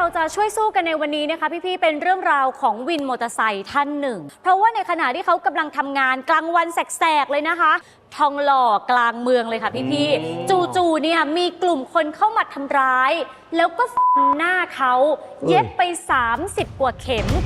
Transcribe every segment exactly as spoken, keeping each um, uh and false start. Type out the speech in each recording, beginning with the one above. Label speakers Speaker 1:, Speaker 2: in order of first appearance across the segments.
Speaker 1: เราจะช่วยสู้กันในวันนี้นะคะพี่ๆเป็นเรื่องราวของวินมอเตอร์ไซค์ท่านหนึ่งเพราะว่าในขณะที่เขากำลังทำงานกลางวันแสกๆเลยนะคะทองหล่อกลางเมืองเลยค่ะพี่ๆจู่ๆเนี่ยมีกลุ่มคนเข้ามาทำร้ายแล้วก็ฟันหน้าเขาเย็บไปสามสิบกว่าเข็ม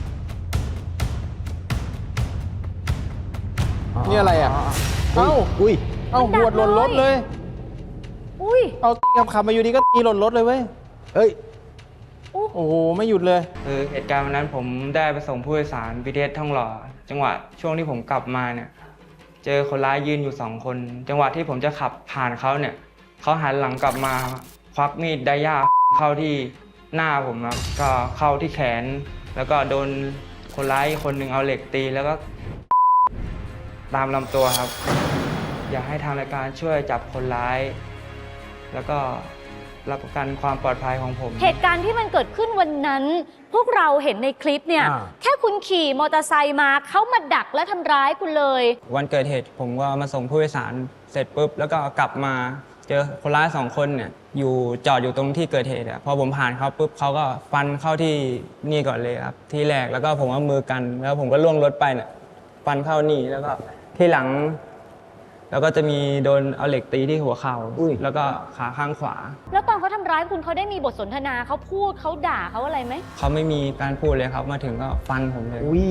Speaker 2: นี่อะไรอ่ะเอ้าอุ้ยเอ้าหัวหล่นรถเลย
Speaker 1: อุ้ย
Speaker 2: เอาตีขับขับมาอยู่ดีก็ตีหล่นรถเลยเว้ยเฮ้ยโอ้โหไม่หยุดเลย
Speaker 3: คือเหตุการณ์วันนั้นผมได้ไปส่งผู้โดยสาร บี ที เอส ทองหล่อจังหวะช่วงที่ผมกลับมาเนี่ยเจอคนร้ายยืนอยู่สองคนจังหวะที่ผมจะขับผ่านเขาเนี่ยเขาหันหลังกลับมาควักมีดไดย่าเข้าที่หน้าผมครับก็เข้าที่แขนแล้วก็โดนคนร้ายคนหนึ่งเอาเหล็กตีแล้วก็ตามลำตัวครับอยากให้ทางรายการช่วยจับคนร้ายแล้วก็รับประกันความปลอดภัยของผม
Speaker 1: เหตุการณ์ที่มันเกิดขึ้นวันนั้นพวกเราเห็นในคลิปเนี่ยแค่คุณขี่มอเตอร์ไซค์มาเขามาดักและทำร้ายคุณเลย
Speaker 3: วันเกิดเหตุผมก็มาส่งผู้โดยสารเสร็จปุ๊บแล้วก็กลับมาเจอคนร้ายสองคนเนี่ยอยู่จอดอยู่ตรงที่เกิดเหตุอะพอผมผ่านเขาปุ๊บเขาก็ฟันเข้าที่นี่ก่อนเลยครับที่แรกแล้วก็ผมเอามือกันแล้วผมก็ล่วงรถไปเนี่ยฟันเข้านี่แล้วก็ที่หลังแล้วก็จะมีโดนเอาเหล็กตีที่หัวเข่าแล้วก็ขาข้างขวา
Speaker 1: แล้วตอนเขาทำร้ายคุณเขาได้มีบทสนทนาเขาพูดเขาด่าเขาอะไรไหม
Speaker 3: เขาไม่มีการพูดเลยครับมาถึงก็ฟันผมเลย
Speaker 2: อุ้ย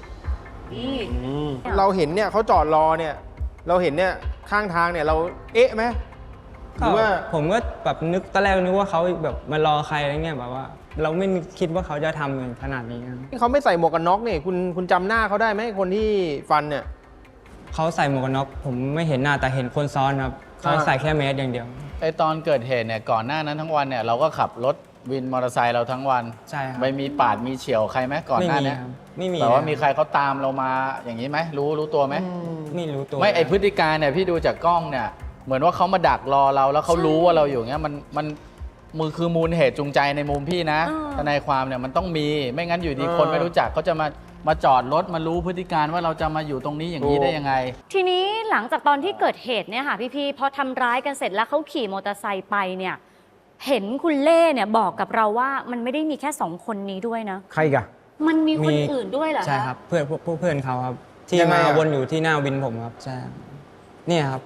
Speaker 2: เราเห็นเนี่ยเขาจอดรอเนี่ยเราเห็นเนี่ยข้างทางเนี่ยเราเอ๊ะไหมหรือว่า
Speaker 3: ผมก็แบบนึกตอนแรกนึกว่าเขาแบบมารอใครอะไรเงี้ยแบบว่าเราไม่คิดว่าเขาจะทำอย่างขนาดนี้
Speaker 2: เขาไม่ใส่หมวกกันน็อกเนี่ยคุณคุณจำหน้าเขาได้ไหมคนที่ฟันเนี่ย
Speaker 3: เขาใส่หมวกกันน็อกผมไม่เห็นหน้าแต่เห็นคนซ้อนครับเขาใส่แค่เมสอย่างเดียว
Speaker 4: ไอตอนเกิดเหตุเนี่ยก่อนหน้านั้นทั้งวันเนี่ยเราก็ขับรถวินมอเตอร์ไซค์เราทั้งวัน
Speaker 3: ใช่ครับ
Speaker 4: ไม่มีปาดมีเฉี่ยวใครไหมก่อนหน้านี้
Speaker 3: ไม่มี
Speaker 4: แต่ว่ามีใครเขาตามเรามาอย่างนี้ไหมรู้รู้ตัวไหม
Speaker 3: ไม่รู้ตัว
Speaker 4: ไม่ไอพฤติการเนี่ยพี่ดูจากกล้องเนี่ยเหมือนว่าเขามาดักรอเราแล้วเขารู้ว่าเราอยู่เงี้ยมันมันมือคือมูลเหตุจูงใจในมุมพี่นะทนายความเนี่ยมันต้องมีไม่งั้นอยู่ดีคนไม่รู้จักเขาจะมามาจอดรถมารู้พฤติการว่าเราจะมาอยู่ตรงนี้อย่างนี้ได้ยังไง
Speaker 1: ทีนี้หลังจากตอนที่เกิดเหตุเนี่ยค่ะพี่ๆพอทำร้ายกันเสร็จแล้วเขาขี่มอเตอร์ไซค์ไปเนี่ยเห็นคุณเล่เนี่ยบอกกับเราว่ามันไม่ได้มีแค่สองคนนี้ด้วยนะ
Speaker 2: ใครกะ
Speaker 1: มันมีคนอื่นด้วยเหรอ
Speaker 3: ใช่ครับเพื่อนพวกเพื่อนเขาครับที่มาวนอยู่ที่หน้าวินผมครับใช่เนี่ยครับ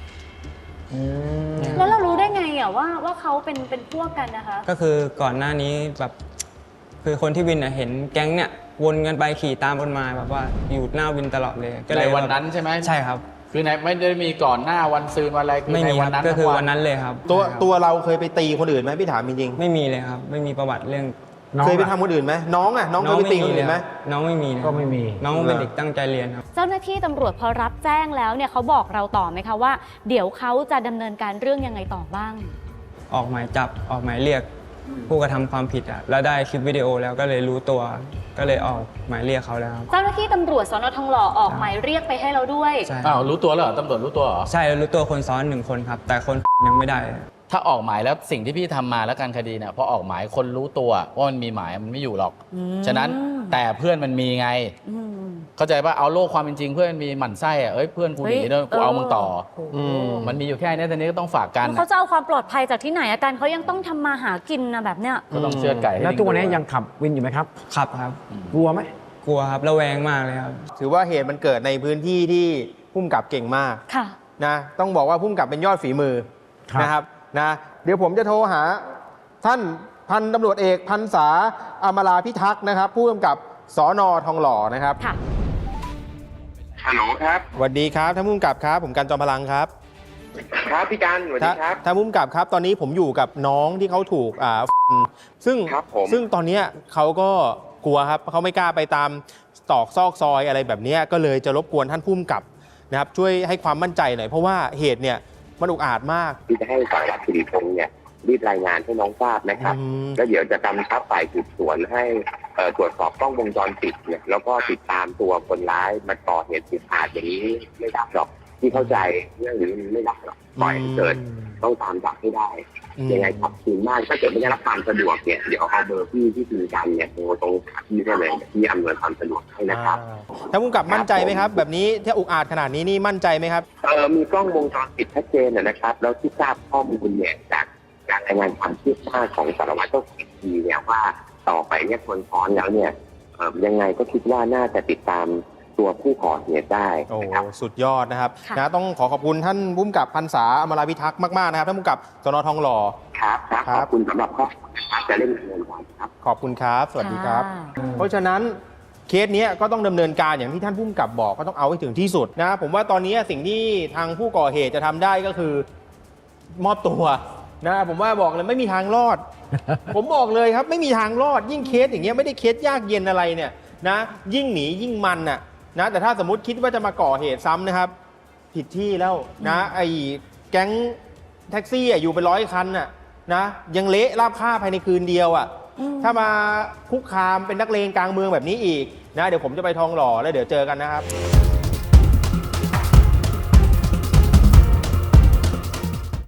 Speaker 1: แล้วเรารู้ได้ไงอ่ะว่าว่าเขาเป็นเป็นพวกกันนะคะ
Speaker 3: ก็คือก่อนหน้านี้แบบคือคนที่วินเห็นแก๊งเนี่ยวนกันไปขี่ตามคนมาแบบว่าอยู่หน้าวินตลอดเลย
Speaker 4: ก็เลยวันนั้นใช่ไหม
Speaker 3: ใช่ครับ
Speaker 4: คือในไม่ได้มีก่อนหน้าวันซืนวันอะไร
Speaker 3: ไม่มีก็คือวันนั้นเลยครับ
Speaker 2: ตัวตัวเราเคยไปตีคนอื่นไหมพี่ถามจริง
Speaker 3: ๆไม่มีเลยครับไม่มีประวัติเรื่อง
Speaker 2: เคยไปทำคนอื่นไหมน้องอ่ะน้องเคยไปตีคนอื่นไหม
Speaker 3: น้องไม่มี
Speaker 2: ก็ไม่มี
Speaker 3: น้องเป็นเด็กตั้งใจเรียนครับ
Speaker 1: เจ้าหน้าที่ตำรวจพอรับแจ้งแล้วเนี่ยเขาบอกเราต่อไหมคะว่าเดี๋ยวเขาจะดำเนินการเรื่องยังไงต่อบ้าง
Speaker 3: ออกหมายจับออกหมายเรียกผู้กระทำความผิดอ่ะแล้วได้คลิปวิดีโอแล้วก็เลยรู้ตัวก็เลยออกหมายเรียกเขาแล้ว
Speaker 1: เจ้าหน้าที่ตำรวจสน.ทองหล่อออกหมายเรียกไปให้เราด้วย
Speaker 4: อ้าวรู้ตัวแล้วเหรอตำรวจรู้ตัวเหรอ
Speaker 3: ใช่รู้ตัวคนซ้อนหนึ่งคนครับแต่คนยังไม่ได้
Speaker 4: ถ้าออกหมายแล้วสิ่งที่พี่ทำมาแล้วการคดีเนี่ยพอออกหมายคนรู้ตัวว่ามันมีหมายมันไม่อยู่หรอกฉะนั้นแต่เพื่อนมันมีไงเข้าใจป่ะเอาโลกความเป็นจริงเพื่อนมันมีหมั่นไส้อ่ะเอ้ยเพื่อนกูหนีเดินกูเอามึงต่อมันมีอยู่แค่นี้แต่นี้ก็ต้องฝากกัน
Speaker 1: เขาจะเอาความปลอดภัยจากที่ไหนอาการเขายังต้องทำมาหากินนะแบบเนี้ย
Speaker 4: ก็ต้องเชือดไก่
Speaker 2: แล้วทุกวันนี้ยังขับวินอยู่ไหมครับ
Speaker 3: ขับครับ
Speaker 2: กลัวไหม
Speaker 3: กลัวครับระแวงมากเลยครับ
Speaker 2: ถือว่าเหตุมันเกิดในพื้นที่ที่ผู้กำกับเก่งมาก
Speaker 1: ค่ะ
Speaker 2: นะต้องบอกว่าผู้กำกับเป็นยอดฝีมือนะครับนะเดี๋ยวผมจะโทรหาท่านพันตำรวจเอกพันษาอมราพิทักษ์นะครับผู้กำกับสน.ทองหล่อนะครับ
Speaker 1: ค่ะ
Speaker 5: ฮัลโหลครับ
Speaker 2: สวัสดีครับท่านผู้กำกับครับผมกันจอมพลังครับ
Speaker 5: ครับพี่การสวัสดีครับ
Speaker 2: ท่านผู้กำกับครับตอนนี้ผมอยู่กับน้องที่เขาถูกอ่าซึ่งซึ่งตอนนี้เขาก็กลัวครับเขาไม่กล้าไปตามตอกซอกซอยอะไรแบบนี้ก็เลยจะรบกวนท่านผู้กำกับนะครับช่วยให้ความมั่นใจหน่อยเพราะว่าเหตุเนี่ยมันอุกอาจมาก
Speaker 5: ที่จะให้สารวัตรสิริพงษ์เนี่ยรีบรายงานให้น้องทราบนะครับแล้วเดี๋ยวจะกำชับฝ่ายสืบสวนให้ตรวจสอบกล้องวงจรปิดเนี่ยแล้วก็ติดตามตัวคนร้ายมาก่อเหตุอุกอาจอย่างนี้ไม่ได้หรอกที่เข้าใจเรื่องนี้ไม่ได้หรอกปล่อยให้เกิดต้องตามจับให้ได้ยังไงครับทีมมากถ้าเกิดไม่ได้รับความสะดวกเนี่ยเดี๋ยวเอาเบอร์พี่ที่คุยกันเนี่ยโทรตรงที่ได้เลยที่อำนวยความสะดวกให้นะครับ
Speaker 2: ท่านผู้กำกับมั่นใจไหมครับแบบนี้ถ้าอุกอาจขนาดนี้นี่มั่นใจไหมครับ
Speaker 5: เออมีกล้องวงจรปิดชัดเจนนะครับแล้วที่ทราบข้อมูลเนี่ยจากการรายงานความคืบหน้าของสารวัตรเจ้าของคดีเนี่ยว่าต่อไปเนี่ยคนซ้อนแล้วเนี่ยเอ่อยังไงก็คิดว่าน่าจะติดตามตัวผู้ก่อเหตุได้
Speaker 2: โอ้
Speaker 5: นะครับ
Speaker 2: สุดยอดนะครับ
Speaker 1: ค่ะ
Speaker 2: นะต้องขอขอบคุณท่านผู้กำกับพรรษาอมราพิทักษ์มากๆนะครับท่านผู้กำกับสนทองหล่อ
Speaker 5: ครับครับ
Speaker 2: ครั
Speaker 5: ข
Speaker 2: บ
Speaker 5: อบคุณสำหรับข้อมูลนะครับจะเล่นดำเนินการครับ
Speaker 2: ขอบคุณครับ สวัสดีครับ
Speaker 1: ค่ะ
Speaker 2: เพราะฉะนั้นเคสเนี้ยก็ต้องดำเนินการอย่างที่ท่านผู้กำกับบอกก็ต้องเอาให้ถึงที่สุดนะผมว่าตอนนี้สิ่งที่ทางผู้ก่อเหตุจะทำได้ก็คือมอบตัวนะผมว่าบอกเลยไม่มีทางรอด ผมบอกเลยครับไม่มีทางรอดยิ่งเคสอย่างเงี้ยไม่ได้เคสยากเย็นอะไรเนี่ยนะยิ่งหนียิ่งมันน่ะนะแต่ถ้าสมมติคิดว่าจะมาก่อเหตุซ้ำนะครับ ผิดที่แล้วนะไอ้แก๊งแท็กซี่อ่ะอยู่เป็นร้อยคันน่ะนะยังเละราบคาบภายในคืนเดียวอ่ะ
Speaker 1: อืม
Speaker 2: ถ้ามาคุกคามเป็นนักเลงกลางเมืองแบบนี้อีกนะเดี๋ยวผมจะไปทองหล่อแล้วเดี๋ยวเจอกันนะครับ